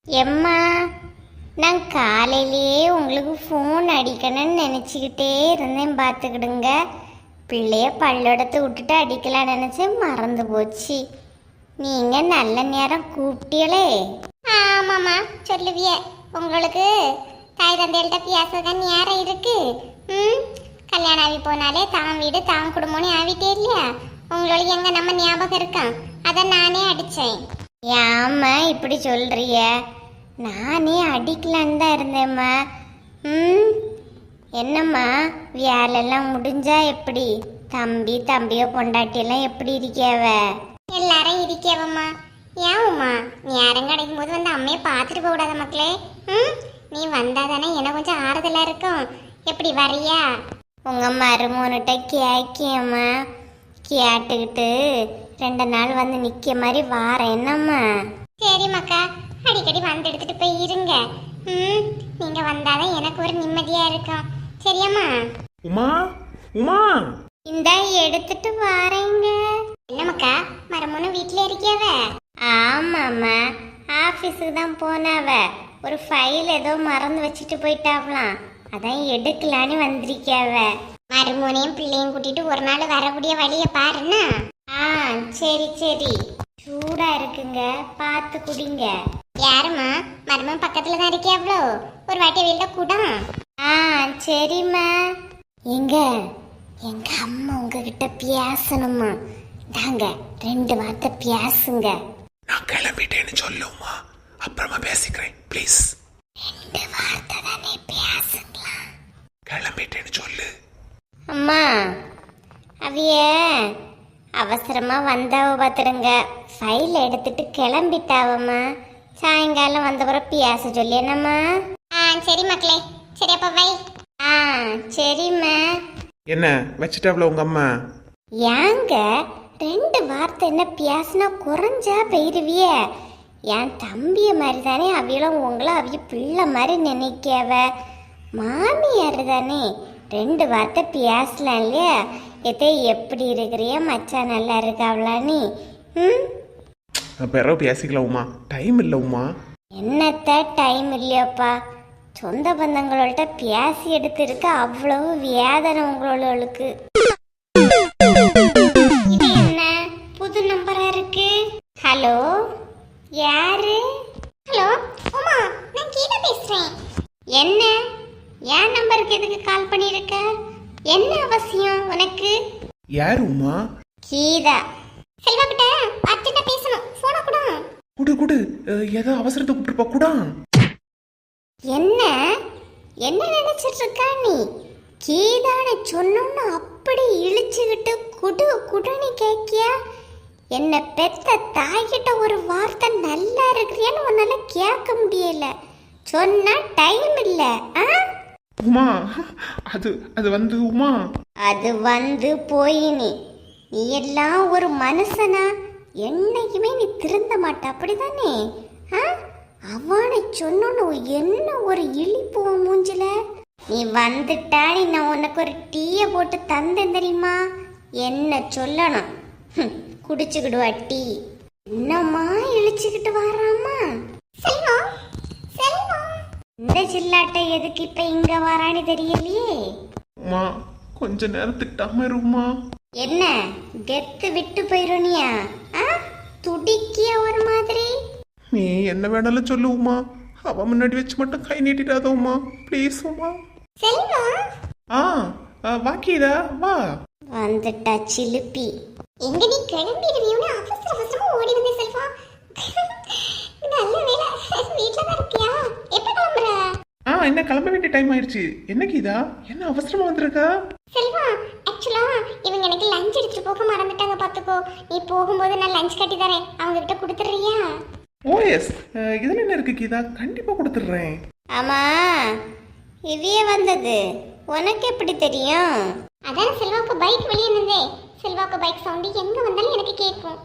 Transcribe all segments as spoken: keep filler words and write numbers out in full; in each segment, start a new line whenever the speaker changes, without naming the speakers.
எம்மா, நான் காலையிலேயே உங்களுக்கு ஃபோன் அடிக்கணும்னு நினச்சிக்கிட்டே இருந்தேன். பார்த்துக்கிடுங்க, பிள்ளைய பல்லடத்தை விட்டுட்டு அடிக்கலாம்னு நினச்சேன், மறந்து போச்சு. நீங்கள் நல்ல நேரம் கூப்பிட்டீங்களே. ஆமாம்மா, சொல்லுவிய உங்களுக்கு தாய் தந்தைகள்கிட்ட பேசுறதுக்கு நேரம் இருக்கு. ம் கல்யாணம் ஆகி போனாலே தான் வீடு தான் குடும்பம்னு ஆகிட்டே இல்லையா? உங்களுக்கு எங்க நம்ம ஞாபகம் இருக்கான், அதை நானே அடித்தேன். ஏம்மா இப்படி சொல்றிய? நானே அடிக்கலான்னு தான் இருந்தேம்மா. ம் என்னம்மா, வேலையெல்லாம் முடிஞ்சா எப்படி? தம்பி தம்பியோ பொண்டாட்டியெல்லாம் எப்படி இருக்கியாவ? எல்லாரும் இருக்கியாவம்மா. ஏம்மா, நேரம் கிடைக்கும் போது வந்து அம்மையை பார்த்துட்டு போக கூடாத மக்களே? ம் நீ வந்தா தானே எனக்கு கொஞ்சம் ஆறுதலா இருக்கும். எப்படி வரியா? உங்க மருமோன்கிட்ட கேக்கியம்மா, கேட்டுக்கிட்டு ரெண்டு நாள் வந்து நிற்க மாதிரி வாரேன். என்னம்மா? சரி மக்கா, அடிக்கடி வந்து எடுத்துட்டு போய் இருங்க. ம் நீங்க வந்தாதான் எனக்கு ஒரு நிம்மதியா இருக்கும். சரியாம்மா?
உமா, உமா,
இந்த எடுத்துட்டு வாரேங்க. என்ன மக்கா, மரமுன்னு வீட்டுல இருக்கியாவ? ஆமாம்மா, ஆஃபீஸுக்கு தான் போனாவ. ஒரு ஃபைல் ஏதோ மறந்து வச்சுட்டு போயிட்டாவலாம், அதான் எடுக்கலான்னு வந்திருக்கியாவ. மருமோனையும் பிள்ளையும் கூட்டிட்டு ஒரு நாள் வரக்கூடிய வழியை பாருன்னா. ஆ சரி சரி, சூடா இருக்குங்க, பார்த்து குடிங்க. யாருமா? மருமன் பக்கத்துல தான் இருக்கியாவளோ, ஒரு வாட்டி வெளியில கூட. ஆ சரிம்மா. எங்க எங்க அம்மா உங்ககிட்ட பேசணுமா? தாங்க ரெண்டு வார்த்தை பேசுங்க.
நான் கிளம்பிட்டேன்னு சொல்லுமா, அப்புறமா பேசிக்கிறேன் ப்ளீஸ்.
ரெண்டு வார்த்தை தானே பேசுங்களா?
கிளம்பிட்டேன்னு சொல்லு.
அம்மா, அவிய அவசரமா வந்தாவ பார்த்துடுங்க, ஃபைல் எடுத்துட்டு கிளம்பிட்டாவம்மா. சாயங்காலம் வந்தப்புறம் பேச சொல்லி. என்னம்மா? ஆ சரி மக்களே, சரி அப்ப வை. ஆ சரிம்மா.
என்ன வச்சுட்டாவ்ல உங்க அம்மா?
ஏங்க ரெண்டு வார்த்தை என்ன பேசினா குறைஞ்சா போயிருவிய? என் தம்பிய மாதிரி தானே அவியெல்லாம் உங்களை அவிய பிள்ளை மாதிரி நினைக்கவ. மாமியார் தானே, ரெண்டு வார்த்தை பேசலாம் இல்லையா? எதே எப்படி இருக்கிறிய மச்சான், நல்லா இருக்காவளா நீ? ம்
பிறகு பேசிக்கலாம் உமா, டைம் இல்லை உமா.
என்னத்த டைம் இல்லையாப்பா? சொந்த பந்தங்களோட பேசி எடுத்திருக்க அவ்வளவு வேதனை உங்களோளுக்கு. இது என்ன புது நம்பரா இருக்கு? ஹலோ, யாரு? ஹலோ உமா, நான் கீதா பேசுறேன். என்ன, என் நம்பருக்கு எதுக்கு கால் பண்ணிருக்க? என்ன அவசியம் உனக்கு?
யார் உமா?
கீதா. செல்வா கிட்ட அர்ஜென்ட்டா பேசணும், போன கூட.
குடு குடு, ஏதோ அவசரத்தை கூப்பிட்டுருப்பா கூட.
என்ன என்ன நினைச்சிட்டு இருக்கா நீ? கீதான சொன்னோன்னு அப்படி இழிச்சுக்கிட்டு குடு குடுன்னு கேக்கியா? என்ன பெத்த தாய்கிட்ட ஒரு வார்த்தை நல்லா இருக்கிறியான்னு உன்னால கேட்க முடியல. சொன்னா டைம் இல்ல.
உமா, அது அது வந்து உமா,
அது வந்து போய் நீ நீ எல்லாம் ஒரு மனுஷனா? என்னைக்குமே நீ திருந்த மாட்ட, அப்படிதானே? அவனை சொன்னோன்னு என்ன ஒரு இழிப்பு மூஞ்சில. நீ வந்துட்டா நான் உனக்கு ஒரு டீயை போட்டு தந்தேன் தெரியுமா? என்ன சொல்லணும்? குடிச்சுக்கிடுவா டீ. என்னம்மா இழிச்சுக்கிட்டு வராமா? செல்வம் செல்வம், இந்த சில்லாட்டை எதுக்கு இப்ப இங்க வரான்னு தெரியலையே.
உமா கொஞ்ச நேரத்துக்கு டமருமா.
என்ன கெத்து விட்டு போயிருனியா? துடிக்கிய ஒரு மாதிரி.
நீ என்ன வேணாலும் சொல்லு உமா, அவ முன்னாடி வச்சு மட்டும் கை நீட்டிடாத உமா, ப்ளீஸ் உமா.
செல்வா,
ஆ வாக்கிதா வா.
வந்துட்டா சிலுப்பி. எங்க நீ கிளம்பிடுவியோன்னு அவசர அவசரமா ஓடி வந்தே செல்வா. நல்ல வேலை வீட்ல தான் இருக்கியா? எப்ப கிளம்புற?
ஆ என்ன கிளம்ப வேண்டிய டைம் ஆயிடுச்சு. என்ன கீதா, என்ன அவசரமா வந்திருக்கா?
செல்வா, ஆக்சுவலா இவங்க எனக்கு லஞ்ச் எடுத்துட்டு போக மறந்துட்டாங்க பாத்துக்கோ. நீ போகும்போது நான் லஞ்ச் கட்டி தரேன், அவங்க கிட்ட கொடுத்துறியா?
ஓ எஸ், இதுல என்ன இருக்கு கீதா, கண்டிப்பா கொடுத்துடுறேன்.
ஆமா, இவையே வந்தது உனக்கு எப்படி தெரியும்? அதான் செல்வாக்கு பைக் வெளியே நின்றே. செல்வாக்கு பைக் சவுண்ட் எங்க வந்தாலும் எனக்கு கேட்கும்.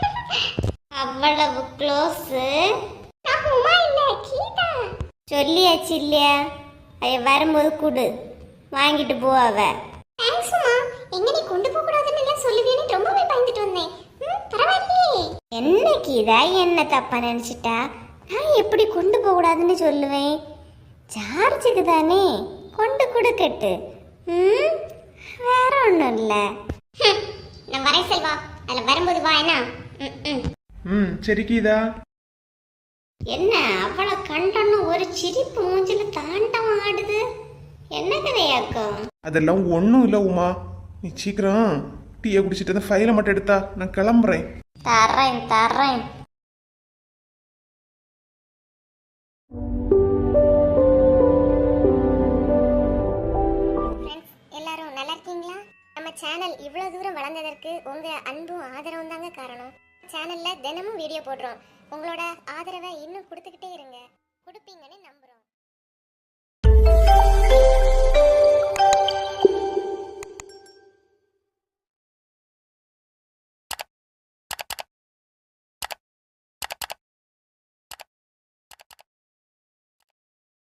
அவ்வளவு க்ளோஸ். நான் உமா இல்ல கீதா. சொல்லியாச்சு இல்லையா? அவ வரும்போது கொடு, வாங்கிட்டு போ. அவ தேங்க்ஸ் உமா. எங்க நீ கொண்டு போக கூடாதுன்னு எல்லாம் சொல்லுவேன்னு ரொம்பவே பயந்துட்டு வந்தேன். பரவாயில்லையே. என்ன கீதா, என்ன தப்பா நினைச்சிட்டா? நான் நான் எப்படி கொண்டு போக கூடாதுன்னு சொல்லுவேன்? சார்ஜுக்கு தானே கொண்டு கொடுக்கட்டு. ம் வேற ஒன்றும் இல்லை. நான் வரேன் செல்வா, அதில் வரும்போது வா என்ன. ம் ம்
ம் சரி கீதா.
என்ன அவளை கண்டோன்னு ஒரு சிரிப்பு மூஞ்சில தாண்டவம் ஆடுது? என்ன கதையாக்கும்?
அதெல்லாம் ஒன்றும் இல்லை உமா. நீ சீக்கிரம் டீயை குடிச்சிட்டு அந்த ஃபைலை மட்டும் எடுத்தா நான் கிளம்புறேன்.
தர்றேன் தர்றேன். எல்லாரும் நல்லா இருக்கீங்களா? நம்ம சேனல் இவ்வளவு தூரம் வளர்ந்ததற்கு உங்க அன்பும் ஆதரவும் தாங்க காரணம். சேனல்ல தினமும் வீடியோ போடுறோம். உங்களோட ஆதரவை இன்னும் கொடுத்துக்கிட்டே இருங்க. கொடுப்பீங்கன்னு நம்புறோம்.